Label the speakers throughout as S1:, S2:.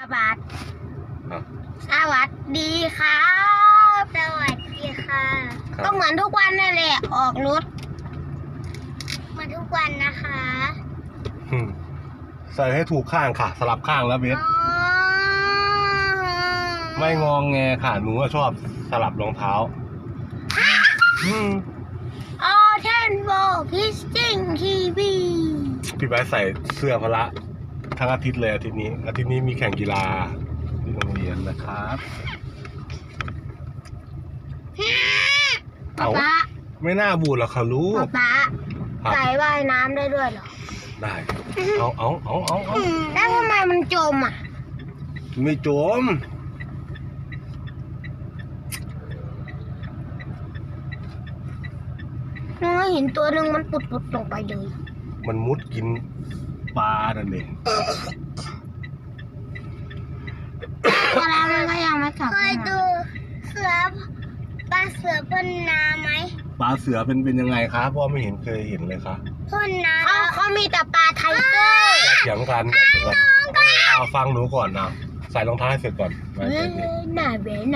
S1: บัดสวัสดีครับ สวัสดีค่ะก็เหมือนทุกวันนั่นแหละออกรถเหมือนทุกวันนะคะ
S2: ใส่ให้ถูกข้างค่ะ สลับข้างแล้วเบสไม่งองแงค่ะหนูก็ชอบสลับรองเท้า
S1: ออเทนโบพิสติ้งทีวี
S2: พี่ไบร์ทใส่เสื้อพละทั้งอาทิตย์เลยอาทิตย์นี้มีแข่งกีฬาที่โรงเรียนนะครับ
S1: ป๊า
S2: ไม่น่าบูดหรอกค่ะลูก
S1: ป๊าใส่ว่ายน้ำได้ด้วยเหรอ
S2: ได้เอา
S1: แล้วทำไมมันจมอ่ะ
S2: ไม่จม
S1: น้องเห็นตัวหนึ่งมันปุดลงไปเลย
S2: มันมุดกินปลานั่นเอง
S1: แล้วมันก็ยังไม่กลับเคยดูปลาเสือพ่นน้ำไหม
S2: ปลาเสือเป็นยังไงครับพ่อไม่เคยเห็นเลยครับ
S1: พ่นน้ำเขามีแต่ปลาไทเกอร์
S2: เถียงกันเอาฟังหนูก่อนนะใส่รองเท้าให้เสร็จก่อน
S1: น่าเว้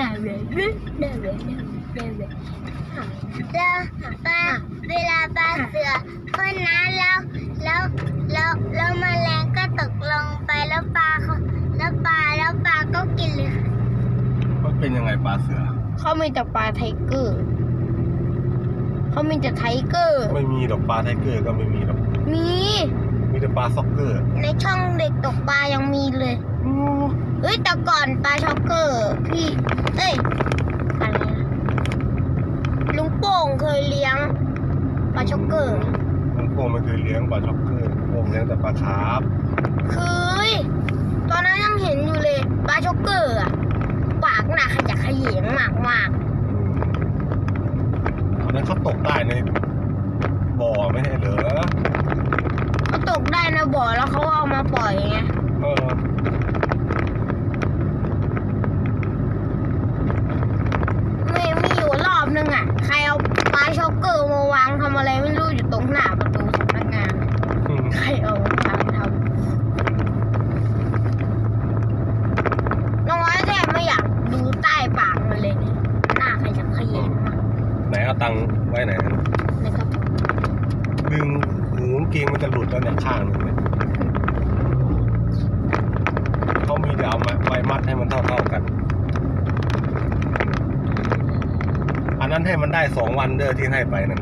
S1: แล้วเวลาปลาเสือพ่นน้ำแล้วแมลงก็ตกลงไปแล้วปลาก็กินเลย
S2: มันเป็นยังไงปลาเสือ
S1: เขามีแต่ปลาไทเกอร์เขามีแต่ไทเกอร์
S2: ไม่มีดอกปลาไทเกอร์ก็ไม่มีดอก
S1: มี
S2: แต่ปลาซ็อกเกอร์
S1: ในช่องเด็กตกปลายังมีเลยแต่ก่อนปลาช็อกเกอร์พี่อะไรนะลุงโป่งเคยเลี้ยงปลาช็อกเกอร์
S2: ลุงโป่งไม่เคยเลี้ยงปลาช็อกเกอร์โป่งเลี้ยงแต่ปลาคาร์ฟ
S1: เคยตอนนั้นยังเห็นอยู่เลยปลาช็อกเกอร์อ่ะปากหนาขยักขยงมาก
S2: ตอนนั้นเขาตกได้ในบ่อไม่ใช่เหรอ
S1: เขาตกได้ในบ่อแล้วเขาเอามาปล่อยไงมีอยู่รอบนึงอ่ะใครเอาปลาช็อกเกอร์มาวางทำอะไรไม่รู้อยู่ตรงหน้าประตูสำนักงานใครเอาทำน้องไอ้แทบไม่อยากดูใต้ปากมันเลยหน้าใครจะขยิบ
S2: ไหนเอาตังค์ไว้ไหน
S1: ในกระเป๋า
S2: ดึงหูเกงมันจะหลุดแล้วเนี่ยข้างนึงเนี่ยเขามีเดี๋ยวเอาไว้มัดให้มันเท่ากันอันนั้นให้มันได้2 วันเด้อที่ให้ไปนั่น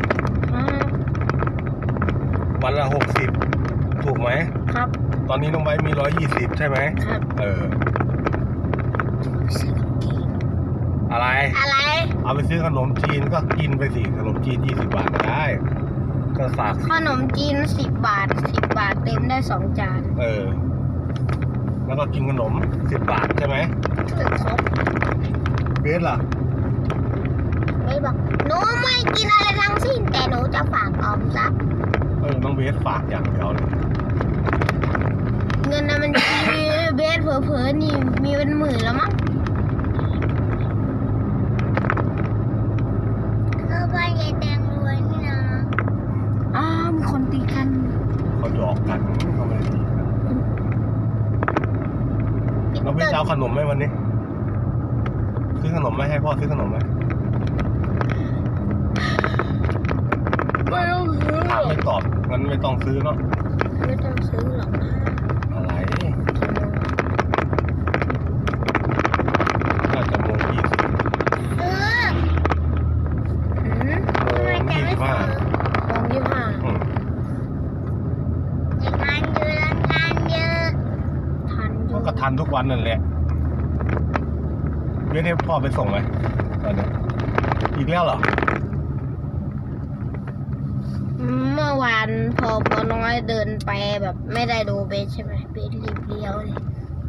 S2: วันละ60ถูกไหม
S1: ครับ
S2: ตอนนี้น้องไบมี120ใช่ไหม
S1: ครับ
S2: อะไรเอาไปซื้อขนมจีนก็กินไปสิขนมจีน20 บาทก็ได้ก็ฝาก
S1: ขนมจีน10 บาทเต็มได้2 จาน
S2: แล้วก็กินขนม10 บาทใช่ไหม
S1: ครบ
S2: เบสล่ะ
S1: ไม่บอกหนูไม่กินอะไรทั้งสิ้นแต่หนูจะฝากออมทรัพย์
S2: น้องเบสฝากอย่างเดียวเลย
S1: เงินนะมันเบสเผลอๆนี่มีเป็นหมื่นแล้วมั้งก็บ้านยายแตงรวยนี่นะมีคนตีกัน
S2: เขาหยอกกันเขาไม่ได้ตีกันน้องเบสเอาขนมไหมวันนี้ซื้อขนมไหมให้พ่อซื้อขนมไหม
S1: ไม่ต้องซื้อ
S2: ถามไม่ตอบงั้นไม่ต้องซื้อเนาะ
S1: ไม่ต้องซื้อหรอกนะ
S2: อะไรน่าจะโมง20
S1: โมง 25งานเยอะงานเยอะ
S2: ก็ทันทุกวันนั่นแหละเว้นให้พ่อไปส่งไหมตอนนี้อีกแล้วเหรอ
S1: เมื่อวานพอน้อยเดินไปแบบไม่ได้ดูเบสใช่ไหมเบสรีบเลี้ยวเลย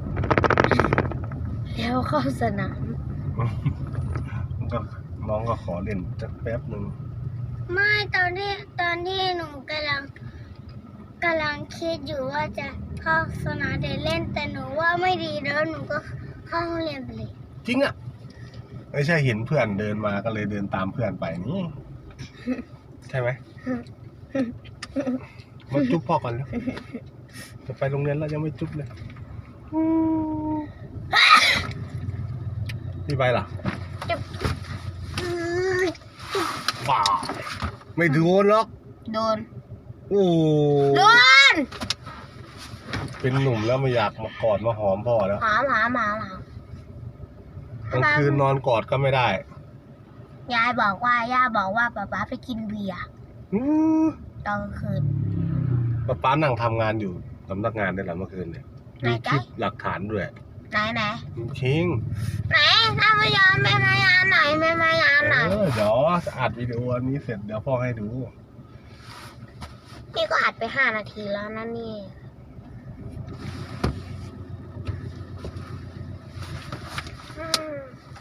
S1: แล้วเข้าสนาม
S2: ก็น้องก็ขอเล่นจักแป๊บนึง
S1: ไม่ตอนที่หนูกำลังคิดอยู่ว่าจะเข้าสนามเดินเล่นแต่หนูว่าไม่ดีแล้วหนูก็เข้าห้องเรียนไปเลย
S2: จริงอ่ะไม่ใช่เห็นเพื่อนเดินมาก็เลยเดินตามเพื่อนไปนี่ใช่ไหมมาจุ๊บพ่อก่อนแล้วจะไปโรงเรียนแล้วยังไม่จุ๊บเลยพี่ไปล่ะ
S1: จะ
S2: ว้าไม่โดนหรอก
S1: โดน
S2: โอ้
S1: โดน
S2: เป็นหนุ่มแล้วไม่อยากมากอดมาหอมพ่อแล้ว
S1: หาม
S2: กลางคืนนอนกอดก็ไม่ได้
S1: ย่าบอกว่าป๊าไปกินเบียร์
S2: อื้อ
S1: ตอนกลางคืน
S2: ป้านั่งทำงานอยู่สำนักงานได้หลังเมื่อคืนเนี่ย
S1: ไหน
S2: มีค
S1: จ๊ะ
S2: ลิปหลักฐานด้วย
S1: ไหน
S2: ชิง
S1: ถ้าไม่ยอมไม่มายานหน่อย
S2: เดี๋ยวอัดวิดีโออันนี้เสร็จเดี๋ยวพ่อให้ดู
S1: นี่ก็อัดไป5 นาทีแล้วนะนี่อืม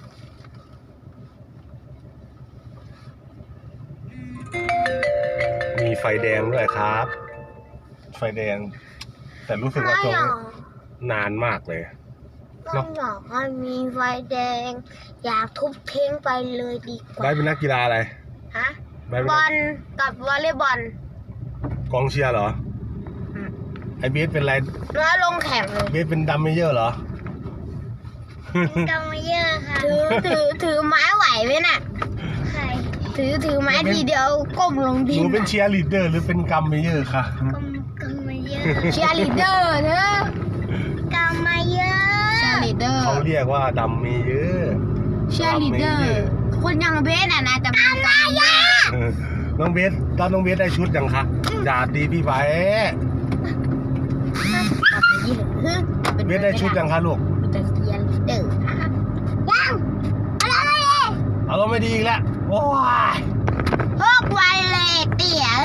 S2: มีไฟแดงด้วยครับ ไฟแดง แต่รู้สึกว่าช่วงนี้นานมากเลย
S1: ก็อยากให้มีไฟแดง อยากทุบทิ้งไปเลยดีกว่า
S2: ไบร์ทเป็นนักกีฬาอะไร
S1: ฮะ
S2: ไบร์ทเป็น
S1: บ
S2: นั
S1: อก ลกับวอลเลย์บอล
S2: กองเชียร์เหรอ
S1: อืม
S2: ไอเบสเป็นอะไร
S1: แล้วลงแข่งเลย
S2: เบสเป็นดัมเมเยอร์เหรอ
S1: กำมาเยอะค่ะถือไม้ไหวไหมน่ะใครถือไม้ทีเดียวก้มลง
S2: ห
S1: ดิ
S2: นู
S1: น
S2: เป็นเชียร์ลีดเดอร์หรือเป็นกัมเมเยอร์คะ
S1: กำมาเยอะเชียร์ลีดเดอร์เนอะกำมาเยอะเชียร์ลีดเดอร์
S2: เขาเรียกว่าดัมเมเยอร์
S1: เชียร์ลีดเดอร์คนอย่างเบสน่ะนะจะเป็นกำมาเยอะ
S2: น้องเบสตอนน้องเบสได้ชุดยังคะอย่าตีพี่ไบร์ทเบสได้ชุดยังคะลูก
S1: จะเชียร์ลีดเดอร์ยังอะไร
S2: เอาเราไม่ดีอีกแล้วโอ้ย
S1: พวกไวเลยเตี๋ย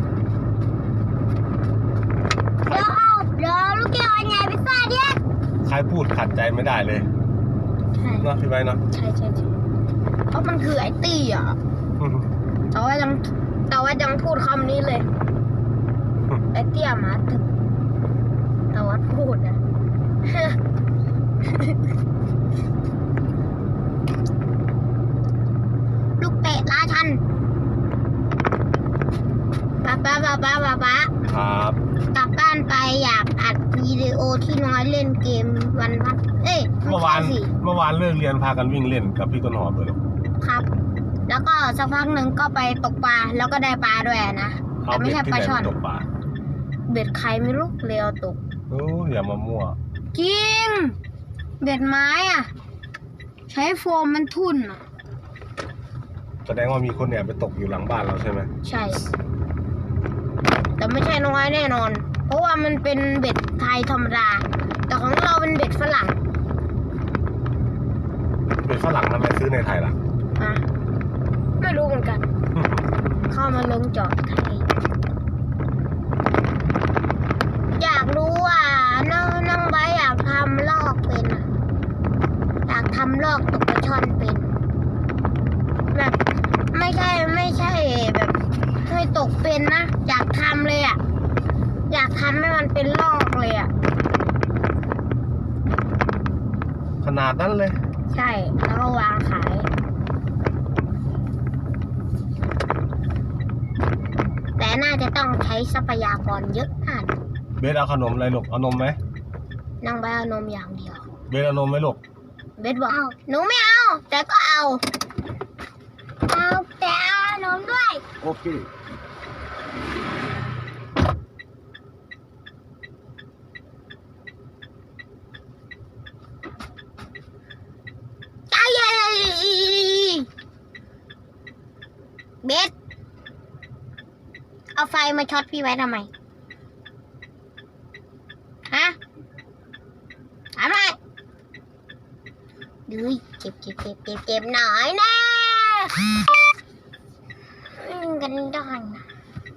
S1: เดี๋ยวลูกเกี่ยวไงพิซซ่าเนี่ย
S2: ใครพูดขัดใจไม่ได้เลย
S1: ใช่
S2: เนาะพี่ไบร์ทเนาะ
S1: ใช่เพราะมันคือไอ้เตี๋ยแต่ว่ายังพูดคำนี้เลยไอ้เตี้ยหมาตึกแต่ว่าพูดนะ ลูกเตะราชันป๊า
S2: ครับ
S1: กลับบ้านไปอยากอัดวิดีโอที่น้อยเล่นเกมวันพักไม่
S2: เมื่อวาน
S1: ใช่สิ
S2: เมื่อวานเลิกเรียนพากันวิ่งเล่นกับพี่ต้นหอมเลยลูก
S1: ครับ แล้วก็สักพักหนึ่งก็ไปตกปลาแล้วก็ได้ปลาด้วยนะ
S2: เอา
S1: แต่ไม่
S2: เบ็ด
S1: ใช่
S2: ที่
S1: ป
S2: ไห
S1: ลาน ช่อน
S2: ไปตกปลา
S1: เบ็ดใครไม่รู้เลยเอาตก
S2: โอ้อย่ามามั่ว
S1: จริง เบ็ดไม้อ่ะ ใช้โฟมมันทุ่นอ่ะ
S2: แสดงว่ามีคนแอบไปตกอยู่หลังบ้านเราใช่ไหม
S1: ใช่ แต่ไม่ใช่น้อยแน่นอน เพราะว่ามันเป็นเบ็ดไทยธรรมดา แต่ของเราเป็นเบ็ดฝรั่ง
S2: เป็นฝรั่งทำไมซื้อในไทยล่ะ
S1: อ่ะไม่รู้เหมือนกัน เข้ามาลงจอดไทย อยากรู้ว่าน้องใบอยากทำลอกเป็นอะอยากทำลอกตกปลาช่อนเป็น แบบไม่ใช่แบบให้ตกเป็นนะ อยากทำเลยอ่ะ อยากทำให้มันเป็นลอกเลยอ่ะ
S2: ขนาดนั้นเลย
S1: ใช่ แล้วก็วางขาย แต่น่าจะต้องใช้ทรัพยากรเยอะมาก
S2: เบสเอาขนมอะไรลูกเอานมไหม
S1: นางใบเอานมอย่างเดียว
S2: เบสเอานมไหมลูก
S1: เบสบอกหนูไม่เอา แต่ก็เอาแต่เอานมด้วย
S2: โอเค
S1: เบส เอาไฟมาช็อตพี่ไว้ทำไม ฮะทำไมดูเก็บหน่อยนะกันได้นะ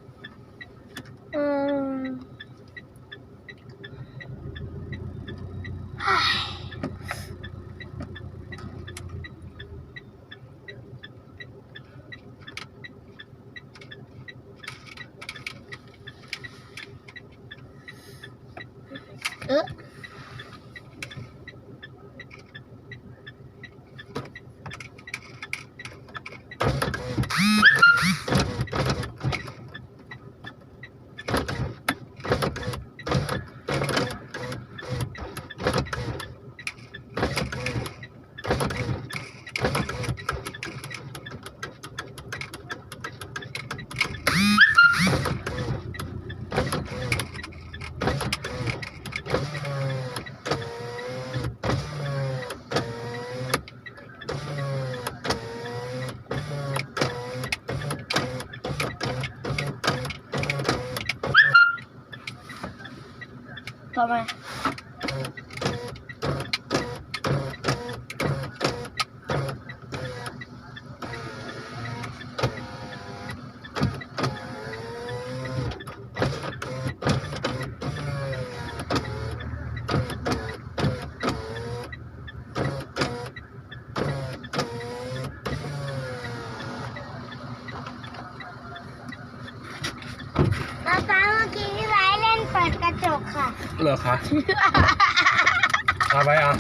S1: เฮ้ยทำไมป๊าเมื่อกี้พี่ไว้เล่นเปิดกระจกค่ะ
S2: เหรอคะเอาไปอ่ะ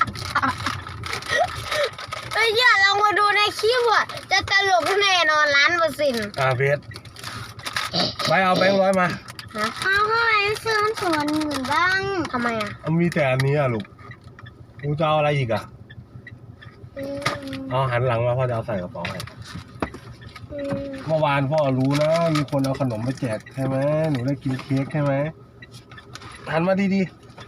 S1: เฮ้ยอย่าลองมาดูในคลิปอ่ะจะตลกแน่นอน1,000%
S2: เบสไปเอาแบงค์ร้อยมา
S1: ฮะเอาทำไมซื้อส่วนหมื่นบ้างทำไมอ่ะ
S2: มีแต่อันนี้อ่ะลูกกูจะเอาอะไรอีกอ่ะเอาหันหลังมาพ่อจะเอาใส่กระเป๋าให้เมื่อวานพ่อรู้นะมีคนเอาขนมไปแจกใช่ไหมหนูได้กินเค้กใช่ไหมหันมาดี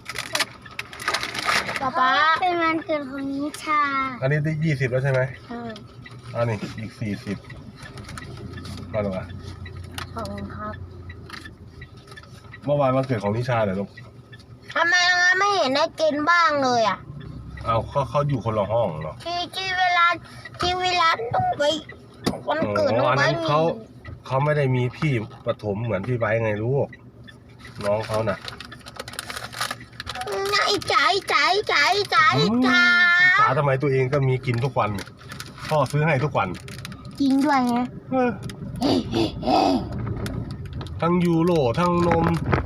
S1: ป๊าเป็นวันเกิดของนิชา
S2: ๆอันนี้ได้20แล้วใช่ไหมอันนี้อีก40มาลูกอ่ะ
S1: ขอบคุณครับ
S2: เมื่อวานวันเกิดของนิชาเหรอลูก
S1: ทำไมงั้นไม่เห็นได้กินบ้างเลยอ่ะ
S2: เอาเขาอยู่คนละห้องเนาะ
S1: ที่เวลาต้องไปวันเกิดน้อง
S2: อัน
S1: ไบ
S2: นั้น
S1: มี
S2: เขาไม่ได้มีพี่ประถมเหมือนพี่ไบร์ทไงลูกน้องเขาน่ะ
S1: ไอ้จ๋า
S2: สาทำไมตัวเองก็มีกินทุกวันพ่อซื้อให้ทุกวัน
S1: จริงด้วยไง
S2: ทั้งยูโรทั้งนม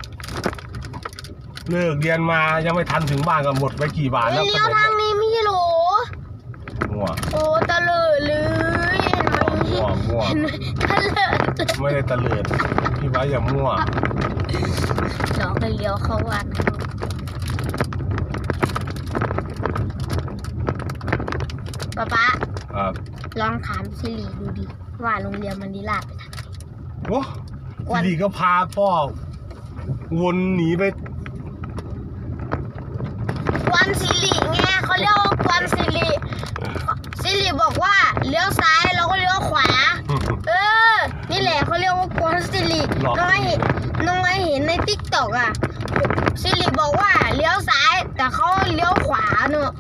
S2: เลิกเรียนมายังไม่ทันถึงบ้านก็หมดไปกี่บาทแล้ว
S1: เลี้ยวทางนี้ไม่ใช่หรอ
S2: มั่ว
S1: โอ้ตะเลิดเลยเห็นไหม
S2: มั่ว
S1: เห็นไหมตะเลิด
S2: ไม่ได้ตะเลิดพี่ไบร์ทอย่ามั่ว
S1: น้องไปเลี้ยวเข้าวัดป๊า
S2: ครับ
S1: ลองถามสิริดูดิว่าโรงเรียนมันดีลาดไปทางไหน
S2: โอ้ทีดีก็พาพ่อวนหนีไป
S1: กวนสิริไงเขาเรียกว่ากวนสิริบอกว่าเลี้ยวซ้ายเราก็เลี้ยวขวา นี่แหละเขาเรียกว่ากวนสิริน้องไอ้เห็นในติ๊กต็อกอ่ะสิริบอกว่าเลี้ยวซ้ายแต่เขาเลี้ยวขวาเนอะ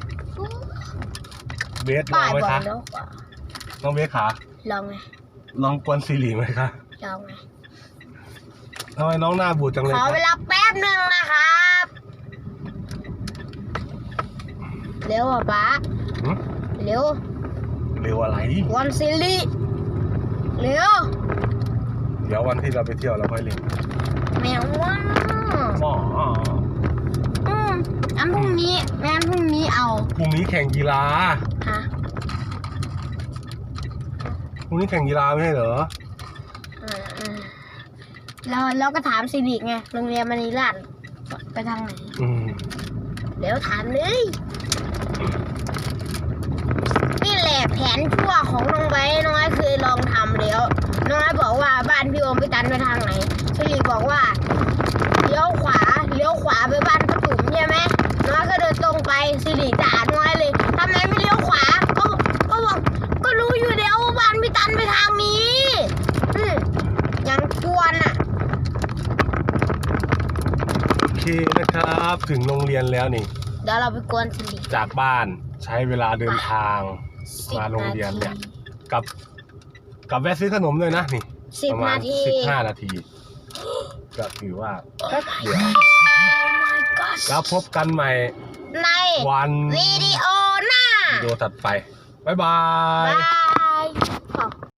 S2: เบสลองไหมคะ
S1: เลี้ยวขวา
S2: น้องเบสขา
S1: ลองไง
S2: ลองกวนซีรีไหมคะ
S1: ลองไง
S2: ทำไมน้องหน้าบูดจังเลย
S1: ขอ
S2: คะ
S1: เวลาแป๊บหนึ่งนะครับเร็วอ่ะป๊า
S2: หึ
S1: เร็ว
S2: เร็วอะไร
S1: กวนสิริเร็ว
S2: เดี๋ยววันที่เราไปเที่ยวเราค่อยเล่น
S1: แมวว่า
S2: หมอ
S1: งั้นพรุ่งนี้เอา
S2: พรุ่งนี้แข่งกีฬา
S1: ฮะ
S2: พรุ่งนี้แข่งกีฬาไม่ใช่เหรอ
S1: เราก็ถามสิริไงโรงเรียนมณีราชไปทางไหน เดี๋ยวถามเลยนี่แหละแผนชั่วของน้องไว้น้องไอ้เคยลองทำแล้วน้องไอ้บอกว่าบ้านพี่โอมไปตันไปทางไหนสิริบอกว่าเลี้ยวขวาไปบ้านป้าตุ๋มใช่ไหมน้องไอ้ก็เดินตรงไปสิริด่าน้องไอ้เลยทำไมไม่เลี้ยวขวาก็บอกก็รู้อยู่แล้วว่าบ้านพี่ตันไปทางนี้ยังกวนอ่ะ
S2: โอเคนะครับ ถึงโรงเรียนแล้วนี่
S1: เดี๋ยวเราไปกวนสิริ
S2: จากบ้านใช้เวลาเดินทางมาโรงเรียนเนี่ยกับแวะซื้อขนมด้วยนะนี่ประมาณ15 นาที ก็ถือว่าแป๊บเดียว
S1: my god
S2: แล้วพบกันใหม่
S1: ใน
S2: วัน
S1: วิดีโอหน้า
S2: วิดีโอถัดไป บ๊ายบา
S1: บาย ย